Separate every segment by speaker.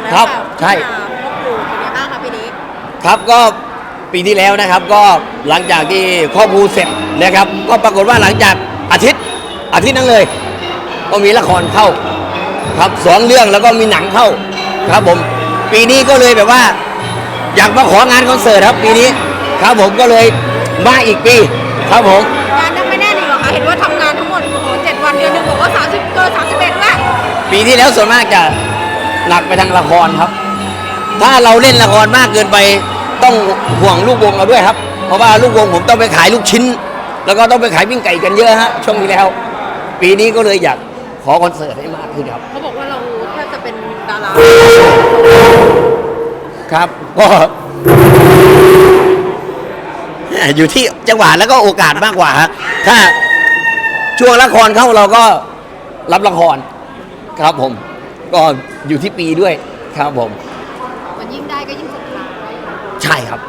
Speaker 1: ครับใช่
Speaker 2: พ่อปู่เป็นยังไงบ้างคะปีนี้
Speaker 1: ครับก็ปีที่แล้วนะครับก็หลังจากที่ครอบครูเสร็จนะครับก็ปรากฏว่าหลังจากอาทิตย์นั้นเลย ก็มีละครเข้าครับ2 เรื่องแล้วก็มีหนังเข้าครับผมปีนี้ก็เลยแบบว่า อยากมาของานคอนเสิร์ตครับปีนี้ครับผมก็เลยมาอีกปีครับผม
Speaker 2: งานยังไม่แน่นอีกเหรอคะเห็นว่าทำงานทั้งหมดโอ้โห7 วันเดือนหนึงบอกว่า30เกิน31แล้ว
Speaker 1: ปีที่แล้วส่วนมากจะหนักไปทางละครครับ ถ้าเราเล่นละครมากเกินไปต้องห่วงลูกวงเราด้วยครับเพราะว่าลูกวงผมต้องไปขายลูกชิ้น แล้วก็ต้องไปขายปิ้งไก่กันเยอะฮะช่วงที่แล้ว ปีนี้ก็เลยอยากขอคอนเสิร์ตให้มากขึ้นครับ
Speaker 2: เขาบอกว่าเราแทบจะเป็นดารา
Speaker 1: ครับก็อยู่ที่จังหวะแล้วก็โอกาสมากกว่าฮะถ้าช่วงละครเข้าเราก็รับละครครับผมก็อยู่ที่ปีด้วยครับผม
Speaker 2: มันยิ่งได้ก็ยิ่งสุดท้าย
Speaker 1: ใช่ครับ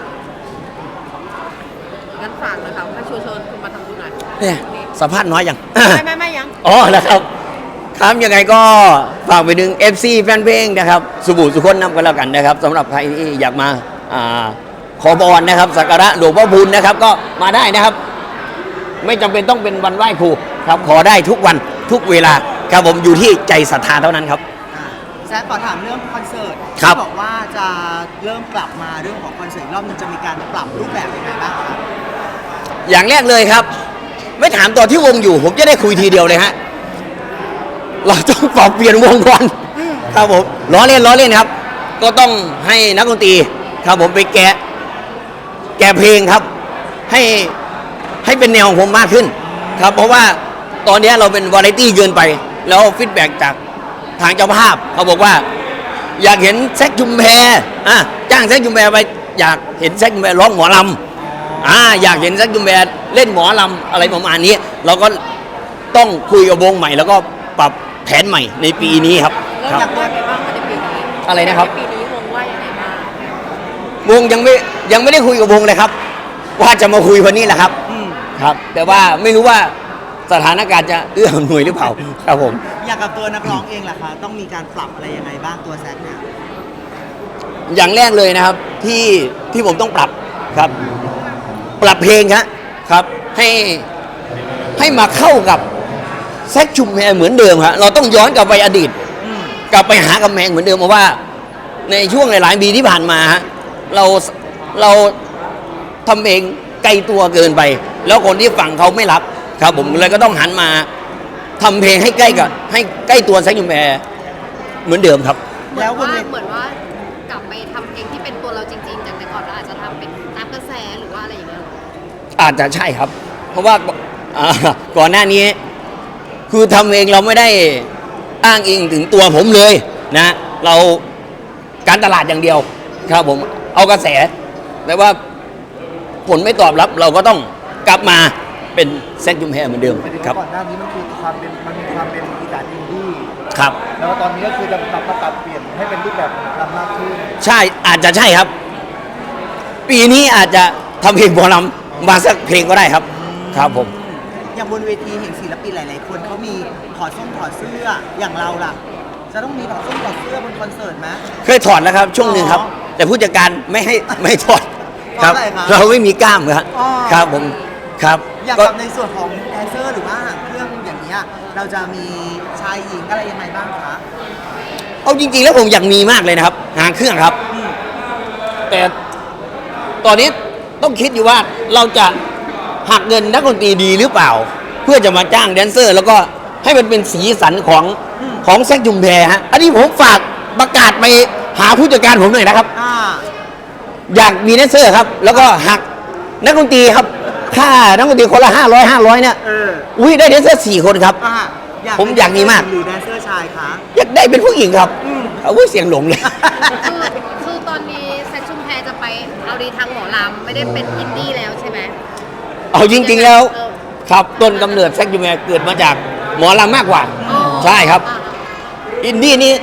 Speaker 2: งั้นฝากเลยค่ะให้ชวนคุณมาทำบุญหน่อย
Speaker 1: เนี่ยสัมภาษณ์น้อยยัง
Speaker 2: ไม่ยัง
Speaker 1: อ๋อนะครับครับยังไงก็ฝากไปถึง FC แฟนเพลงนะครับสุบุสุคนนำกันแล้วกันนะครับสำหรับใครที่อยากมาขอพรนะครับสักการะหลวงพ่อพูนนะครับก็มาได้นะครับไม่จำเป็นต้องเป็นวันไหว้ครูครับขอได้ทุกวันทุกเวลาครับผมอยู่ที่ใจศรัทธาเท่านั้นครับ
Speaker 3: แซคขอถามเรื่องคอนเสิร์ต
Speaker 1: ที่
Speaker 3: บอกว่าจะเริ่มกลับมาเรื่องของคอนเสิร์ตรอบนึงจะมีการปรับรูปแบบยังไงบ้างครับ
Speaker 1: อย่างแรกเลยครับไม่ถามตอนที่วงอยู่ผมจะได้คุยทีเดียวเลยฮะเราต้องปรับเปลี่ยนวงก่อนครับผมล้อเล่นครับก็ต้องให้นักดนตรีครับผมไปแกะเพลงครับให้เป็นแนวของผมมากขึ้นครับเพราะว่าตอนนี้เราเป็นวาไรตี้เกินไปแล้วฟีดแบ็กจากทางเจ้าภาพเขาบอกว่าอยากเห็นแซคชุมแพจ้างแซคชุมแพไปอยากเห็นแซคชุมแพร้องหมอลำอยากเห็นแซคชุมแพเล่นหมอลำอะไรประมาณนี้เราก็ต้องคุยกับวงใหม่แล้วก็ปรับแผนใหม่ในปีนี้ครับ
Speaker 2: แล้วอยากว่าไงบ้างในปีนี้
Speaker 1: อะไรนะครับ
Speaker 2: ปีนี้วงว่ายังไงบ้าง
Speaker 1: วงยังไม่ได้คุยกับวงเลยครับว่าจะมาคุยวันนี้แหละครับครับแต่ว่าไม่รู้ว่าสถานการณ์จะเอื้ออำนวยหรือเปล่าครับผม
Speaker 3: อยากกับตัวนักร้องเองล่ะคะต้องมีการปรับอะไรยังไงบ้างตัวแซคเนี่ย
Speaker 1: อย่างแรกเลยนะครับที่ผมต้องปรับครับปรับเพลงครับให้มาเข้ากับแซคชุมแพเหมือนเดิมครับเราต้องย้อนกลับไปอดีตกลับไปหากำแพงเหมือนเดิมเพราะว่าในช่วงหลายๆปีที่ผ่านมาเราทำเพลงไกลตัวเกินไปแล้วคนที่ฟังเขาไม่รับครับผมเลยก็ต้องหันมาทำเพลงให้ใกล้ตัวแซคชุมแพเหมือนเดิมครับ
Speaker 2: แล้วเหมือนว่ากลับไปทำเพลงที่เป็นตัวเราจริงๆจากแต่ก่อนเราอาจจะทำเป็นตามกระแสหรือว่าอะไรอย่างเงี้ย
Speaker 1: อาจจะใช่ครับเพราะว่าก่อนหน้านี้คือทำเองเราไม่ได้อ้างอิงถึงตัวผมเลยนะเราการตลาดอย่างเดียวครับผมเอากระแสแต่ว่าผลไม่ตอบรับเราก็ต้องกลับมาเป็นแซคชุมแพเหมือนเดิมครับ
Speaker 4: ก่อนหน้านี้มันคือมันมีความเป็นอีสานอินดี้
Speaker 1: ครับ
Speaker 4: แล้วตอนนี้ก็คือจะปรับเปลี่ยนให้เป็นรูปแบบลำมากขึ้น
Speaker 1: ใช่อาจจะใช่ครับปีนี้อาจจะทำเพลงหมอลำมาสักเพลงก็ได้ครับครับผม
Speaker 3: อย่างบนเวทีเห็นศิลปินหลายๆคนเขามีถอดเสื้ออย่างเราล่ะจะต้องมีถอดเสื้อบนคอนเสิร์ตไหม
Speaker 1: เคยถอดแล้วครับช่วงหนึ่งครับแต่ผู้จัดการไม่ถอดครับเราไม่มีกล้ามครับผมครับ
Speaker 3: อยากกับในส่วนของแดนเซอร์หรือว่าเครื่องอย่างนี้เราจะมีชายหญิงอะไรยังไงบ้างคะ
Speaker 1: เอาจริงๆแล้วผมอยากมีมากเลยนะครับหางเครื่องครับแต่ตอนนี้ต้องคิดอยู่ว่าเราจะหักเงินนักดนตรีดีหรือเปล่าเพื่อจะมาจ้างแดนเซอร์แล้วก็ให้มันเป็นสีสันของแซคชุมแพฮะอันนี้ผมฝากประกาศไปหาผู้จัดการผมหน่อยนะครับอยากมีแดนเซอร์ครับแล้วก็หักนักดนตรีครับค่านักดนตรีคนละ500เนี่ยอุ้ยได้แดนเซอร์4 คนครับผมอยากมีมาก
Speaker 3: หรือแดนเซอร์ชายคะ
Speaker 1: อยากได้เป็นผู้หญิงครับเอาเสียงหลงเลย
Speaker 2: คือตอนนี้แซคชุมแพจะไปเอาดีทางหมอลำไม่ได้เป็นอินดี้แล้วใช่ไหม
Speaker 1: เอาจริงๆแล้วครับต้นกำเนิดแซคชุมแพเกิดมาจากหมอลำมากกว่าใช่ครับอินดี้นี่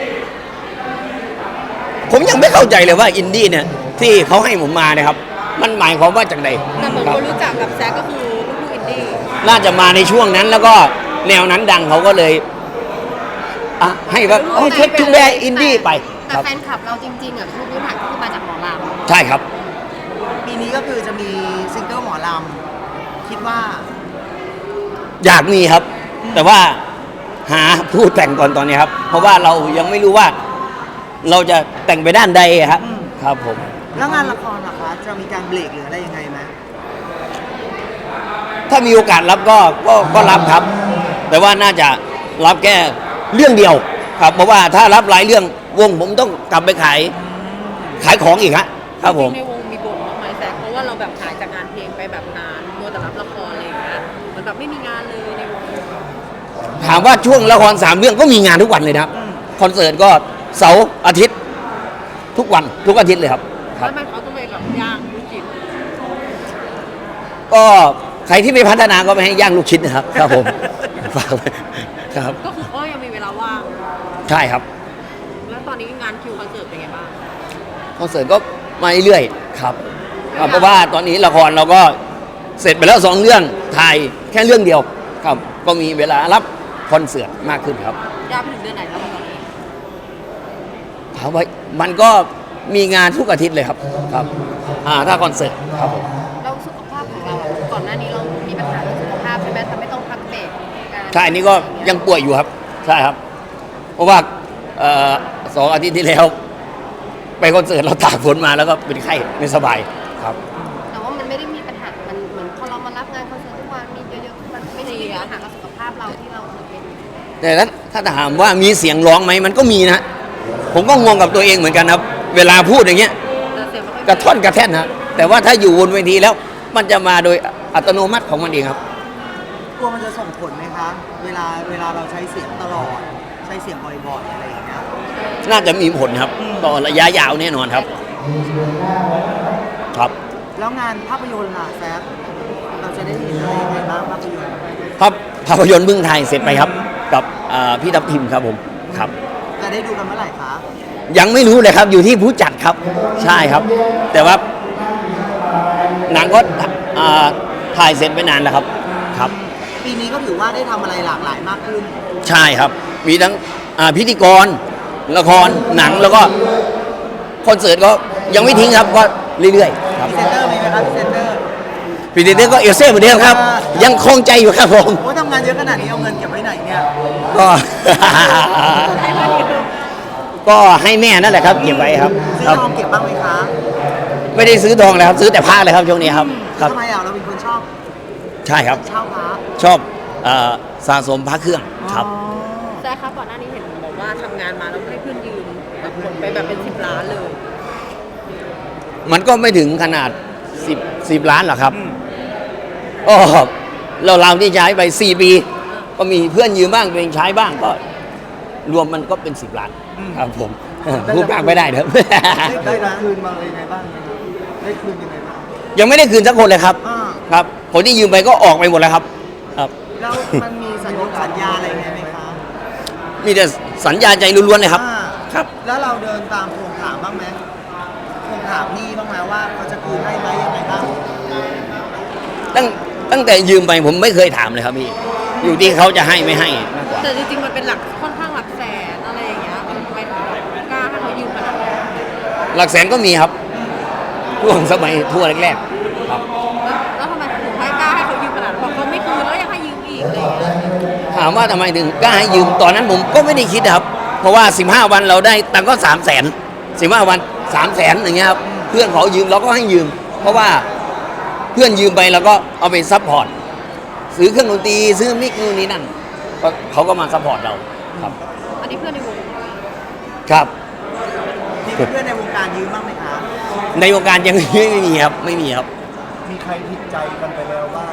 Speaker 1: ผมยังไม่เข้าใจเลยว่าอินดี้เนี่ยที่เขาให้ผมมานะครับมันหมายความว่าจากไหน
Speaker 2: แต่ผมคนรู้จักกับแซคก็คือลูกอินดี้
Speaker 1: น่าจะมาในช่วงนั้นแล้วก็แนวนั้นดังเขาก็เลยให้ว่าแซคชุมแพอินดี้ไป
Speaker 2: แต่แฟนคลับเราจริงๆอ่ะคือพื้นฐานก็คือมาจากหมอลำ
Speaker 1: ใช่ครับ
Speaker 3: ปีนี้ก็คือจะมีซิงเกิลหมอลำคิดว่า
Speaker 1: อยากมีครับ แต่ว่าหาผู้แต่งก่อนตอนนี้ครับ เพราะว่าเรายังไม่รู้ว่า เราจะแต่งไปด้านใดครับ ครับผม
Speaker 3: แล้วงานละครล่ะคะจะมีการเบรกหรืออะไรยังไงไหม
Speaker 1: ถ้ามีโอกาสรับก็รับครับ แต่ว่าน่าจะรับแค่เรื่องเดียวครับ เพราะว่าถ้ารับหลายเรื่องวงผมต้องกลับไปขายของอีกฮะครับผม
Speaker 5: จริงๆในวงมีบ่นบ้างไหมแซคเพราะว่าเราแบบหายจากงานเพลงไปแบบนานมัวแต่รับละครอะไรอย่างเงี้ยเหมือนแบบไม่มีงานเลยในวง
Speaker 1: ถามว่าช่วงละคร3 เรื่องก็มีงานทุกวันเลยนะครับคอนเสิร์ตก็เสาร์อาทิตย์ ทุกวันทุกอาทิตย์เลยครับ
Speaker 5: แล้วมันเขาก็เลยแบบย่างลูกชิ้น
Speaker 1: ก็ใครที่ไม่พัฒนาก็ไม่ให้ย่างลูกชิ้นนะครับ ครับผมฝากไว้ครับ
Speaker 5: ก็คือก็ยังมีเวลาว่าง
Speaker 1: ใช่ครับ
Speaker 5: แล้วตอนนี้งานคิวคอนเสิร์ตเป็นไงบ้าง
Speaker 1: คอนเสิร์ตก็มาเรื่อยๆครับเพราะว่าตอนนี้ละครเราก็เสร็จไปแล้ว2 เรื่องถ่ายแค่เรื่องเดียวครับ ก็มีเวลารับคอนเสิร์ตมากขึ้นครับ
Speaker 5: ยาวไปถึงเดือนไหนแล้วตอนนี้
Speaker 1: ถามว่ามันก็มีงานทุกอาทิตย์เลยครับครับถ้าคอนเสิร์ตครับผม
Speaker 2: เราสุขภาพของเราอะก่อนหน้านี้เรามีปัญหาเรื่องสุขภาพใช่ไหมทำให้ต้องพักเบรกการ
Speaker 1: ใช่อันนี้ก็ยังป่วยอยู่ครับใช่ครับ เพราะว่า2 อาทิตย์ที่แล้ว ไปคอนเสิร์ตเราตากฝนมาแล้วก็เป็นไข้ไม่สบายครับ
Speaker 2: แต่ว่ามันไม่ได้มีปัญหามันเหมือนพอเรามารับงานคอนเสิร์ตทุกวันมีเยอะๆมันไม่ได้มีปัญหากับสุขภาพเราที่เราเคยเป็น
Speaker 1: แต่ถ้าถามว่ามีเสียงร้องไหมมันก็มีนะ ผมก็งงกับตัวเองเหมือนกันครับ เวลาพูดอย่างเงี้ย
Speaker 5: แต่เสียงไม่ค่อย
Speaker 1: กระท่อนกระแท่นนะแต่ว่าถ้าอยู่บนเวทีแล้ว มันจะมาโดยอัตโนมัติของมันเองครับ
Speaker 3: กลัวมันจะส่งผลไหมคะ เวลาเราใช้เสียงตลอด ใช้เสียงบ่อยๆอะไรอย่างเงี้ย
Speaker 1: น่าจะมีผลครับต่อระยะยาวแน่นอนครับ ครับ
Speaker 3: แล้วงานภาพยนตร์ล่ะแซฟเราจะได้เห็นอะไรยังไงบ้างภาพยนตร์
Speaker 1: ภาพยนตร์เมืองไทยเสร็จไปครับ กับพี่ทัพทิมครับผมครับ
Speaker 3: จะได้ดูกันเมื่อไหร่คะ
Speaker 1: ยังไม่รู้เลยครับอยู่ที่ผู้จัดครับใช่ครับ แต่ว่าหนังก็ถ่ายเสร็จไปนานแล้วครับครับ
Speaker 3: ปีนี้ก็ถือว่าได้ทำอะไรหลากหลายมากขึ้น
Speaker 1: ใช่ครับ มีทั้งพิธีกรละครหนังแล้วก็คอนเสิร์ตก็ยังไม่ทิ้งครับก็เรื่อยๆค
Speaker 3: พ
Speaker 1: รับ
Speaker 3: รีเซนเตอร์มีไหมครับพรีเซนเตอร์
Speaker 1: ปีนี้ก็เอลเซ่เหมือนเดิมครับ ยังคงใจอยู่ครับผม
Speaker 3: โอ้ทำงานเยอะขนาดนี้เอาเงินเก็บไว้ไหนเนี่ย
Speaker 1: ก็ ก็ให้แม่นั่นแหละครับเก็บไว้ครับ
Speaker 3: ซื้อ
Speaker 1: ครับ
Speaker 3: ทองเก็บบ้างไหมคะ
Speaker 1: ไม่ได้ซื้อทองเลยครับ ซื้อแต่ผ้าเลยครับช่วงนี้ครับครับ
Speaker 3: ทำไมเราเป็นคนชอบ
Speaker 1: ใช่ครับ
Speaker 3: เช่าพระ
Speaker 1: ชอบสะสมพระเครื่องครับ
Speaker 3: อ๋อ
Speaker 5: แซคครับก่อนหน้านี้เห็นบอกว่าทำงานมาแล้วให้เพื่อนยืมแบบหมดไปแบบเป็น10 ล้านเลย
Speaker 1: มันก็ไม่ถึงขนาด10 ล้านหรอกครับก็เราที่ใช้ไป4 ปี ก็มีเพื่อนยืมบ้างตัวเองใช้บ้างก็ รวมมันก็เป็น10 ล้านครับผมพูดมากไม่ได้เถอะ
Speaker 4: ได้คืนมาเลยงไงบ้างได้คืนยังไงบ้าง
Speaker 1: ยังไม่ได้คืนสักคนเลยครับ
Speaker 3: อ่า
Speaker 1: ครับคนที่ยืมไปก็ออกไปหมดแล้วครับ ครับ
Speaker 3: แล้วมันมีสัญญาอะไรไงไหมคะ
Speaker 1: มีแต่สัญญาใจล้วนๆเลยครับ
Speaker 3: อ่า
Speaker 1: ครับ
Speaker 3: แล้วเราเดินตามทวงถามบ้างไหมทวงถามหนี่บ้างไหมว่าเขาจะคืนให้ไหมยังไงบ้าง
Speaker 1: ตั้งแต่ยืมไปผมไม่เคยถามเลยครับพี่ อยู่ที่เขาจะให้ไม่ให้มากกว่า
Speaker 5: แต่จริงๆมันเป็นหลักค่อนข้างหลักแสนอะไรอย่างเงี้ยทำไมถึงกล้าให้เขายืมขนาดนั้น
Speaker 1: หลักแสนก็มีครับช่วงสมัยทั่วแรกๆครับ
Speaker 5: แล้วทำไมถึงให้กล้าให้เขายืมขนาดนั้นบอกเขาไม่คืนแล้วยังให้ยืมอีกอะไรอย่างเงี้ย
Speaker 1: ถามว่าทำไมถึงกล้าให้ยืมตอนนั้นผมก็ไม่ได้คิดครับ เพราะว่า 15 วันเราได้ตังค์ก็300,000 15 วัน300,000อย่างเงี้ยครับเพื่อนขอยืมเราก็ให้ยืม เพราะว่าเพื่อนยืมไปเราก็เอาไปซัพพอร์ตซื้อเครื่องดนตรีซื้อมิกนู่นนี่นั่นก็เขาก็มาซัพพอร์ตเราครับ
Speaker 5: อันนี้เพื่อนในวง
Speaker 1: ครับ
Speaker 3: มีเพื่อนในวงการยืมบ้างไหมคะ
Speaker 1: ในวงการยังไม่มีครับไม่มีครับ
Speaker 4: มีใครผิดใจกันไปแล้วบ้าง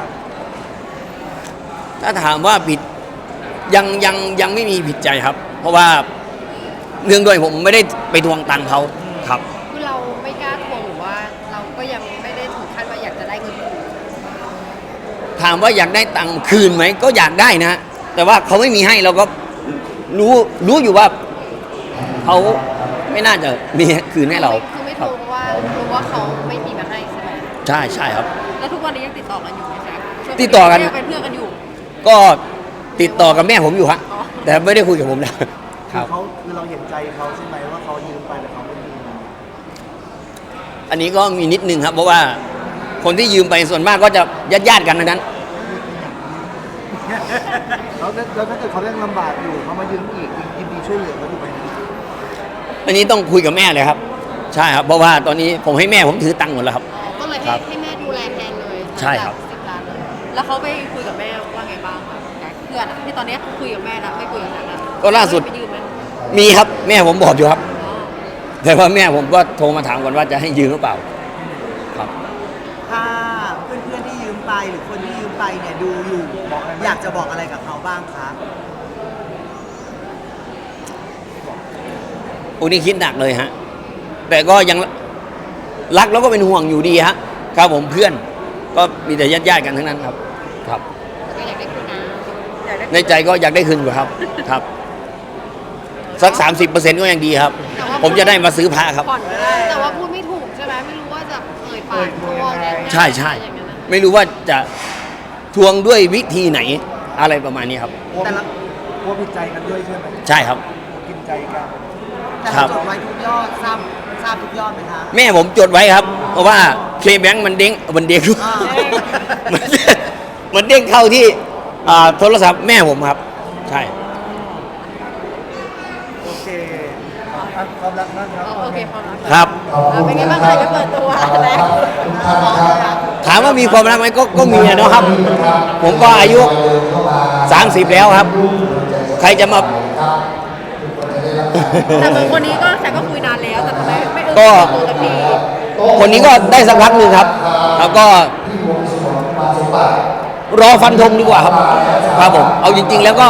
Speaker 1: ถ้าถามว่าผิดยังไม่มีผิดใจครับ เพราะว่าเนื่องด้วยผมไม่ได้ไปทวงตังค์เขาครับ
Speaker 2: คือเราไม่กล้าทวงหรือว่าเราก็ยังไม่ได้ถึงขั้นว่าอยากจะได้เงินคืน
Speaker 1: ถามว่าอยากได้ตังค์คืนไหมก็อยากได้นะ แต่ว่าเขาไม่มีให้เราก็รู้อยู่ว่าเขาไม่น่าจะมีคืนให้เรา
Speaker 2: คือไม่
Speaker 1: ค
Speaker 2: ท
Speaker 1: รั
Speaker 2: ว
Speaker 1: บ
Speaker 2: งเพราะว่ารู้ว่าเขาไม่มีมาให้ใช่ไหม
Speaker 1: ใช่ครับ
Speaker 5: แล้วทุกวันนี้ยังติดต่อกันอยู่ไหมแซค
Speaker 1: ติดต่อกัน
Speaker 5: ยังเป็นเพื่อนกันอยู่
Speaker 1: ก็ติดต่อกับแม่ผมอยู่ฮะ
Speaker 5: อ๋อ
Speaker 1: แต่ไม่ได้คุยกับผมแล้วครับ
Speaker 4: คือเราเห็นใจเขาใช่ไหมว่าเขายืมไปแต่เขาไม่มี
Speaker 1: อันนี้ก็มีนิดนึงครับ เพราะว่าคนที่ยืมไปส่วนมากก็จะญาติๆกันทั้งนั้น
Speaker 4: แล้วถ้าเกิดเขายังลำบากอยู่เขามายืมอีกยินดีช่วยเหลือเขาถูกไหม
Speaker 1: อันนี้ต้องคุยกับแม่เลยครับ ใช่ครับ เพราะว่าตอนนี้ผมให้แม่ผมถือตังค์หมดแล้วครับ
Speaker 2: ก็เลย
Speaker 1: ครับ
Speaker 2: ให้แม่ดูแลแทนเลย
Speaker 1: ใช่ครับ
Speaker 2: 10 ล้านเลย
Speaker 5: แล้วเขาไปคุยกับแม่ว่าไงบ้างคะเพื่อนอะที่ตอนนี้คุยกับแม่นะไม่คุยกับแม่นะ
Speaker 1: ก็ล่าสุด
Speaker 5: ไปยืมไหม
Speaker 1: มีครับแม่ผมบอกอยู่ครับ
Speaker 5: อ๋อ
Speaker 1: แต่ว่าแม่ผมก็โทรมาถามก่อนว่าจะให้ยืมหรือเปล่า ครับ
Speaker 3: ถ้าเพื่อนๆที่ยืมไปหรือคนที่ยืมไปเนี่ยดูอยู่อยากจะบอกอะไรกับเขาบ้างคะ
Speaker 1: โอ้นี่คิดหนักเลยฮะ แต่ก็ยังรักแล้วก็เป็นห่วงอยู่ดีฮะ ครับผมเพื่อน ก็มีแต่ญาติๆกันทั้งนั้นครับ ครับ
Speaker 2: ก็อยากได้คืนนะ
Speaker 5: อยากได้
Speaker 1: ในใจก็อยากได้คืนอยู่ครับ ครับ สัก 30%ก็ยังดีครับ ผมจะได้มาซื้อพระครับ
Speaker 5: ผ่อนก็ได้
Speaker 2: แต่ว่าพูดไม่ถูกใช่ไหมไม่รู้ว่าจะเอ่ยปากทวงยังไง
Speaker 1: ใช่ใช่
Speaker 2: อย่างนั้นนะ
Speaker 1: ไม่รู้ว่าจะทวงด้วยวิธีไหนอะไรประมาณนี้ครับ
Speaker 3: แต่ละ
Speaker 4: กลัวผิดใจกันด้วยใช่ไหม
Speaker 1: ใช่ครับ
Speaker 4: กินใจกัน
Speaker 3: แต่
Speaker 1: ครั
Speaker 3: เรา
Speaker 1: บ
Speaker 3: จดไว้ทุกยอดทราบทุกยอดไหมคะ
Speaker 1: แม่ผมจดไว้ครับ เพราะว่าเคแบงค์มันเด้ง
Speaker 3: อ่า
Speaker 1: มันเด้งเข้าที่โทรศัพท์แม่ผมครับ ใช่
Speaker 4: โอเคความรักนั่นครับ
Speaker 5: โอเคความรัก
Speaker 1: ครับ
Speaker 5: เป็นไงบ้างคะจะเปิดตัวแล้ว
Speaker 1: ถามว่ามีความรักไหมก็มีอะเนาะครับ ผมก็อายุ 30 แล้วครับ ใครจะมา
Speaker 5: แต่เหมือนคนนี้ก็แซกก็คุยนานแล้วแต่ทำไมไม่เออ
Speaker 1: ก็
Speaker 5: ตัวสักที
Speaker 1: คนนี้ก็ได้สักพักหนึ่งครับ แล้วก็ รอฟันธงดีกว่าครับ ครับผม เอาจริง ๆ แล้วก็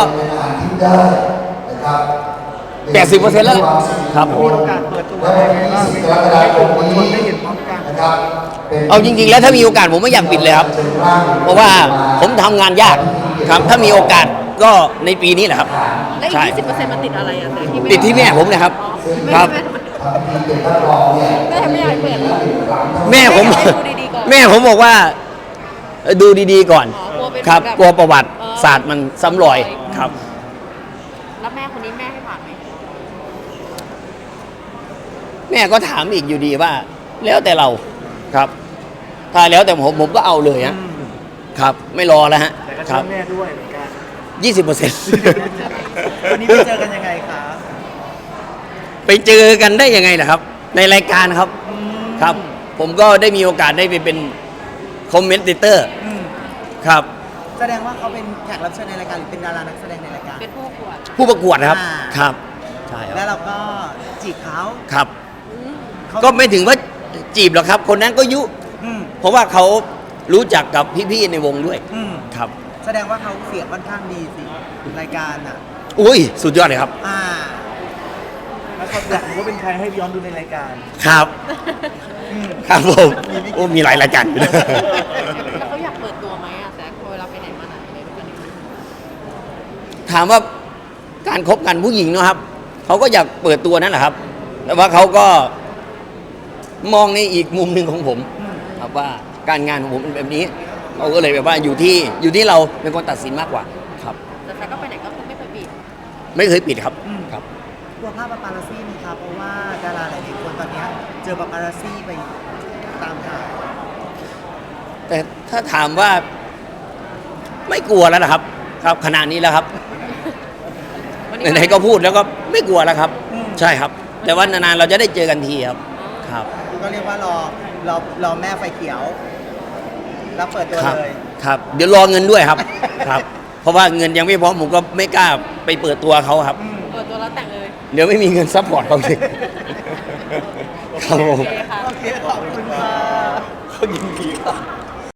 Speaker 1: 80%แล้วล่ะครับผม
Speaker 4: มีโอกาสเปิดตัวอะไรบ้างให้กลุ่มมวลชนได้เห็นพร้อมกัน
Speaker 1: เอาจริง ๆ แล้วถ้ามีโอกาสผมไม่อยากปิดเลยครับ เพราะว่าผมทำงานยากครับ ถ้ามีโอกาสก็ในปีนี้แหละครับ
Speaker 5: และอีก
Speaker 1: ใช่
Speaker 5: 20%มันติดอะไรอ่ะแต่ที่ไม่
Speaker 1: ติดที่แม่ผมนะครับ
Speaker 5: ไม่
Speaker 1: ครับ
Speaker 5: แม่ไม่อยากให้เปิดหรอ
Speaker 1: แม่ผม
Speaker 5: ให้ดูดีๆก่อน
Speaker 1: แม่ผมบอกว่าดูดีๆก่อน
Speaker 5: อ๋อกลัวเป็น
Speaker 1: ครับ
Speaker 5: แบบ
Speaker 1: กลัวประวัติ
Speaker 5: เออ
Speaker 1: ศาสตร์มันซ้ำรอยครับ
Speaker 5: แล้วแม่คนนี้แม่ให้ผ่านไหม
Speaker 1: แม่ก็ถามอีกอยู่ดีว่า แล้วแต่เราครับ ถ้าแล้วแต่ผมก็เอาเลยฮะครับ ไม่รอแล้วฮะ
Speaker 4: แต่ก็
Speaker 1: ค
Speaker 4: ช่
Speaker 1: รั
Speaker 4: ว
Speaker 1: บ
Speaker 4: ยแม่ด้วยเหมือนกัน
Speaker 1: 20%
Speaker 3: วันนี้ไปเจอกันยังไงคะ
Speaker 1: ไปเจอกันได้ยังไงล่ะครับ ในรายการครับ ครับ ผมก็ได้มีโอกาสได้ไปเป็นคอมเมนเตอร์
Speaker 3: อืม
Speaker 1: ครับ
Speaker 3: แสดงว่าเขาเป็นแขกรับเชิญในรายการหรือเป็นดารานักแสดงในรายการ
Speaker 5: เป็นผู้ขวด
Speaker 1: ผู้ประกวดครับ
Speaker 3: อ่า
Speaker 1: ครับ ใช่ค
Speaker 3: แล้
Speaker 1: รับ
Speaker 3: วเราก็จีบเขา
Speaker 1: ครับ
Speaker 3: เขา
Speaker 1: ก็ไม่ถึงว่าจีบหรอกครับ คนนั้นก็ยุ
Speaker 3: อืม
Speaker 1: เพราะว่าเขารู้จักกับพี่ๆในวงด้วย
Speaker 3: อืม
Speaker 1: ครับ
Speaker 3: แสดงว่าเขาเสียงค่อนข้างดีสิรายการอ่ะ
Speaker 1: อุ้ยสุดยอดเลยครับ
Speaker 3: อ่า
Speaker 4: แล้วเขาอยากรู้ว่าเป็นใครให้ย้อนดูในรายการ
Speaker 1: ครับ
Speaker 3: อืม
Speaker 1: ครับผมโอ้มีหลายรายการอยู่นะ
Speaker 5: แล้วเขาอยากเปิดตัวไหมอ่ะแซกเวลาไปไหนมาไหนอะไรด้วยกันเนี่ย
Speaker 1: ถามว่าการคบกันผู้หญิงเนอะครับเขาก็อยากเปิดตัวนั่นแหละครับ แต่ว่าเขาก็มองในอีกมุมหนึ่งของผม ครับว่าการงานของผมเป็นแบบนี้เราก็เลยแบบว่าอยู่ที่เราเป็นคนตัดสินมากกว่าครับ
Speaker 5: แต่แซกก็ไปไหนก็คือไม่เคยปิด
Speaker 1: ไม่เคยปิดครับ
Speaker 3: อืม
Speaker 1: ครับ
Speaker 3: กลัวภาพปาปารัสซี่ไหมครับเพราะว่าดาราหลายๆคนตอนเนี้ยเจอปาปารัสซี่ไปตามทาง
Speaker 1: แต่ถ้าถามว่าไม่กลัวแล้วนะครับ ครับขนาดนี้แล้วครับ
Speaker 5: วันนี้
Speaker 1: ไหนๆก็พูดแล้วก็ไม่กลัวแล้วครับ ใช่ครับ แต่ว่านานๆเราจะได้เจอกันทีครับครับ
Speaker 3: ก็เรียกว่ารอแม่ไฟเขียว แล้วเปิดตัว
Speaker 1: ครับ
Speaker 3: เลย
Speaker 1: ครับ เดี๋ยวรอเงินด้วยครับ ครับ เพราะว่าเงินยังไม่พร้อมผมก็ไม่กล้าไปเปิดตัวเขาครับ
Speaker 5: เปิดตัวแล้วแต่งเลย
Speaker 1: เดี๋ยวไม่มีเงินซัพพอร์ตเขาเลยครับผม
Speaker 5: โอเคค่ะ
Speaker 3: โอเค ขอบคุณค่ะ